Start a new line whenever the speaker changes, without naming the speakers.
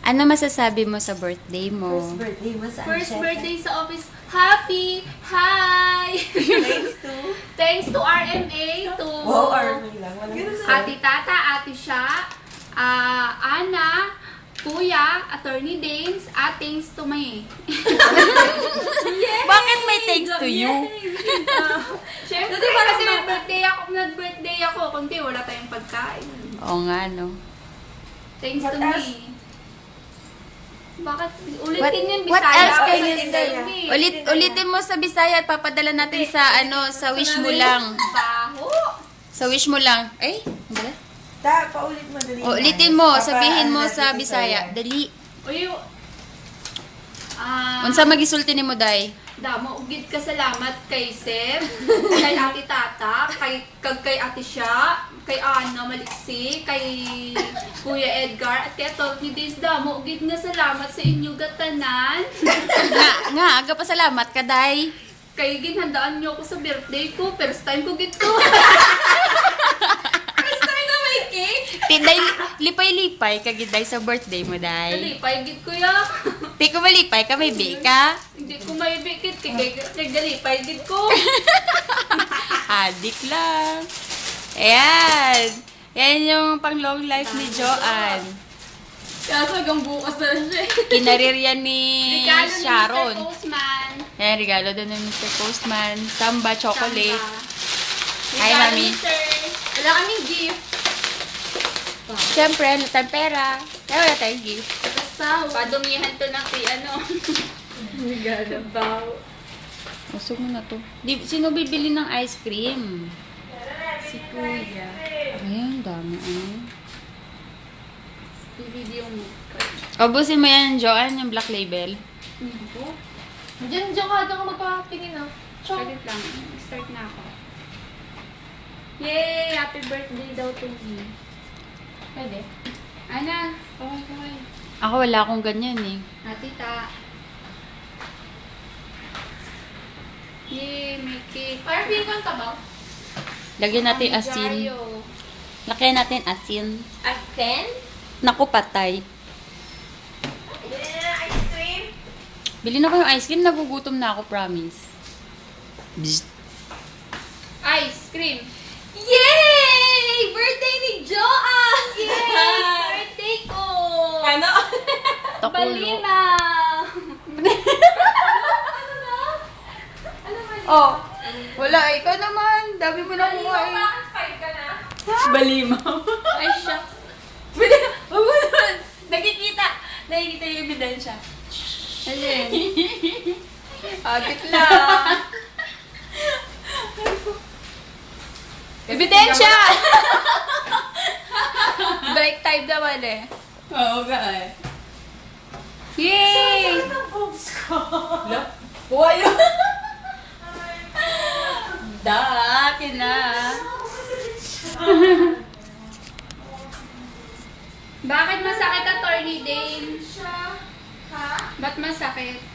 Ano masasabi mo sa birthday mo?
First birthday mo sa
First birthday sa office. Happy! Hi!
Thanks to...
Thanks to RMA, to
Wow, army lang. Walang gusto.
Ate Tata, Ate Sha, Ana, Kuya, Attorney Danes, at thanks to my...
Bakit may thanks to you?
Siyempre, kasi nag-birthday ako. Kundi wala tayong pagkain.
Oo nga, no?
Thanks to
What else?
me. Bakit? Ulitin yun,
what
Bisaya.
else can you
Ulitin
say?
yun, eh.
Ulitin mo sa Bisaya at papadala natin sa sa wish mo lang.
Baho!
Sa wish mo lang. Ay, ang gala.
Paulit mo dali.
Ulitin mo, sabihin mo sa Bisaya. Dali.
Uy,
Unsa magisulti nimo day?
Damo, ugid ka salamat kay Sir, kay Ate Tata, kay Ate Sha, kay Ana Maliksi, kay Kuya Edgar, at kay Tony Days. Damo, ugid nga salamat sa inyo gatanan.
Aga pa salamat ka day.
Kay ginhandaan niyo ako sa birthday ko, first time ko gito. First time na may cake.
Tinday lipay-lipay ka gid day sa birthday mo day.
Dalipay gid ko ya.
Di ko malipay ka may bika.
Hindi ko may bikit, kay dalipay gid ko.
Adik lang. Ayan. Yan yung pang long life ni Joanne.
Kaso hanggang bukas na siya.
Kinarir yan ni
Regalo ni
Sharon.
Mr. Postman.
Ayan, regalo din ng Mr. Postman. Samba chocolate.
Samba.
Hi,
Regalo
Mami.
ni Sir. Wala kaming gift.
Siyempre, ano tayong pera. Kaya wala tayong gift.
Basta, padumihan to ng ano. Regalo daw.
Usog mo na to. Sino bibili ng ice cream?
Si Kuya.
Ayan, dami.
I-video mo.
Ubusin mo yan, Joanne, yung black label.
Diyan ka magpapatingin ah.
Saglit lang. Start na ako. Yay! Happy birthday daw to me.
Pwede.
Ana, kaway.
Ako wala akong ganyan eh.
Tita. Yay! May cake.
Parang feel ko ang tabaw.
Lagyan natin asin.
Jayo.
Lagyan natin asin.
Asin?
Naku, patay.
Ice cream.
Bili na ko yung ice cream. Nagugutom na ako, promise. Bzz.
Ice cream.
Yay! Birthday ni Joanne!
Yay! Birthday ko!
Ano?
Takulo.
Balina!
Oh, wala. Ikaw naman. Dami mo na kumain.
Bakit 5 ka na?
Balimaw.
Ay, shucks.
Huwag mo naman. Nakikita yung ebidensya.
Alin?
Adik lang. Ebidensya! Break time naman eh. Oo nga eh. Yay! Buha yun. Akin na.
Bakit masakit, Attorney Dane?
Ha?
Ba't masakit?